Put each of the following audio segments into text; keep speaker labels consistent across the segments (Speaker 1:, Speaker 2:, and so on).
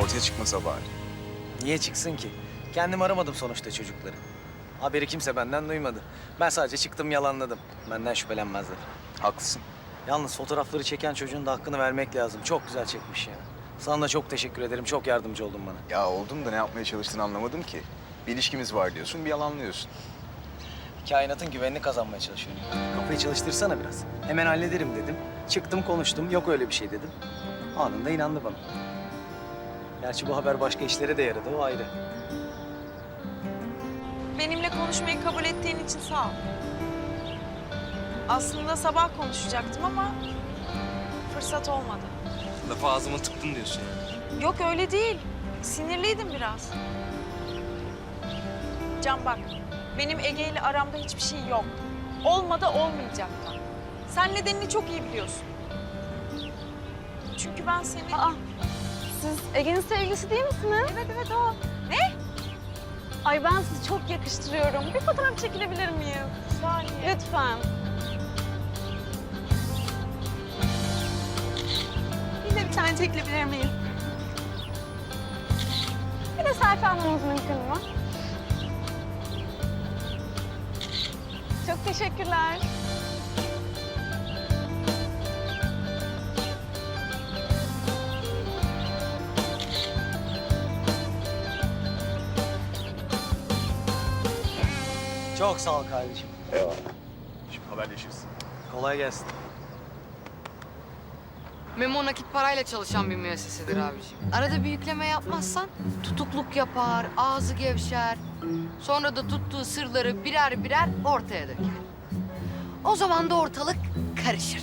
Speaker 1: ortaya çıkmasa bari.
Speaker 2: Niye çıksın ki? Kendim aramadım sonuçta çocukları. Haberi kimse benden duymadı. Ben sadece çıktım yalanladım. Benden şüphelenmezler.
Speaker 1: Haklısın.
Speaker 2: Yalnız fotoğrafları çeken çocuğun da hakkını vermek lazım. Çok güzel çekmiş ya. Sana da çok teşekkür ederim. Çok yardımcı oldun bana.
Speaker 1: Ya oldum da ne yapmaya çalıştığını anlamadım ki. Bir ilişkimiz var diyorsun, bir yalanlıyorsun.
Speaker 2: Kainatın güvenini kazanmaya çalışıyorum. Kafayı çalıştırsana biraz. Hemen hallederim dedim. Çıktım konuştum. Yok öyle bir şey dedim. Anında inandı bana. Gerçi bu haber başka işlere de yaradı. O ayrı.
Speaker 3: Benimle konuşmayı kabul ettiğin için sağ ol. Aslında sabah konuşacaktım ama fırsat olmadı.
Speaker 4: Lafı ağzıma tıktın diyorsun yani.
Speaker 3: Yok öyle değil. Sinirliydim biraz. Can bak, benim Ege ile aramda hiçbir şey yok. Olmadı olmayacak da. Sen nedenini çok iyi biliyorsun. Çünkü ben seni...
Speaker 5: Aa, siz Ege'nin sevgilisi değil misiniz?
Speaker 3: Evet o. Ne?
Speaker 5: Ay ben sizi çok yakıştırıyorum. Bir fotoğraf çekilebilir miyim?
Speaker 3: Saniye.
Speaker 5: Lütfen.
Speaker 3: Yine bir tane çekilebilir miyiz?
Speaker 5: Bir de selfie almamız mümkün mü? Çok teşekkürler.
Speaker 2: Çok sağ ol kardeşim.
Speaker 1: Eyvallah. Şimdi haberleşiriz.
Speaker 2: Kolay gelsin.
Speaker 6: Memo nakit parayla çalışan bir müessesedir abiciğim. Arada bir yükleme yapmazsan tutukluk yapar, ağzı gevşer. Sonra da tuttuğu sırları birer birer ortaya döker. O zaman da ortalık karışır.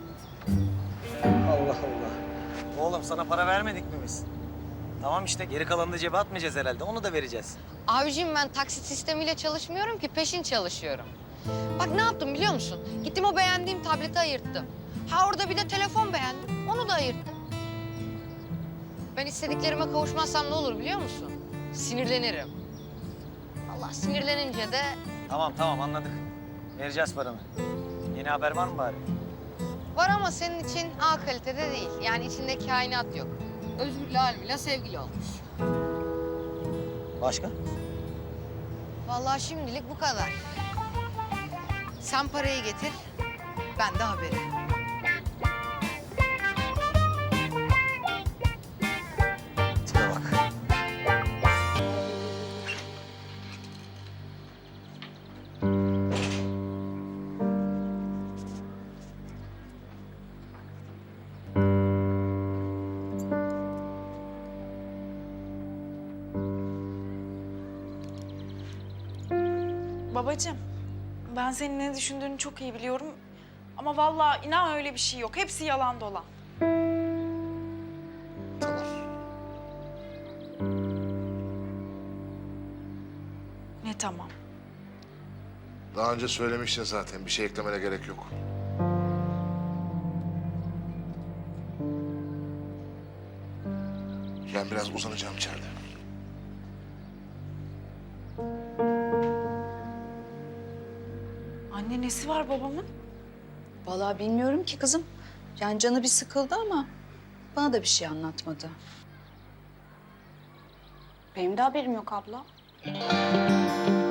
Speaker 2: Allah Allah. Oğlum sana para vermedik mi biz? Tamam işte geri kalanını da cebe atmayacağız herhalde. Onu da vereceğiz.
Speaker 6: Abiciğim ben taksit sistemiyle çalışmıyorum ki peşin çalışıyorum. Bak ne yaptım biliyor musun? Gittim o beğendiğim tableti ayırttım. Ha orada bir de telefon beğendim. Onu da ayırttım. Ben istediklerime kavuşmazsam ne olur biliyor musun? Sinirlenirim. Allah sinirlenince de
Speaker 2: Tamam anladık. Vereceğiz paranı. Yeni haber var mı bari?
Speaker 6: var ama senin için A kalitede değil. Yani içinde kainat yok. Özgür'le Almila sevgili olmuş.
Speaker 2: Başka?
Speaker 6: Vallahi şimdilik bu kadar. Sen parayı getir, ben de haberi.
Speaker 2: Tipe bak.
Speaker 3: Babacığım, ben senin ne düşündüğünü çok iyi biliyorum. Ama vallahi inan öyle bir şey yok. Hepsi yalan dolan.
Speaker 7: Tamam.
Speaker 3: Ne tamam.
Speaker 7: Daha önce söylemiştin zaten. Bir şey eklemene gerek yok. Ben biraz uzanacağım içeride.
Speaker 3: Anne nesi var babamın?
Speaker 8: Vallahi bilmiyorum ki kızım. Yani canı bir sıkıldı ama bana da bir şey anlatmadı.
Speaker 5: Benim de haberim yok abla.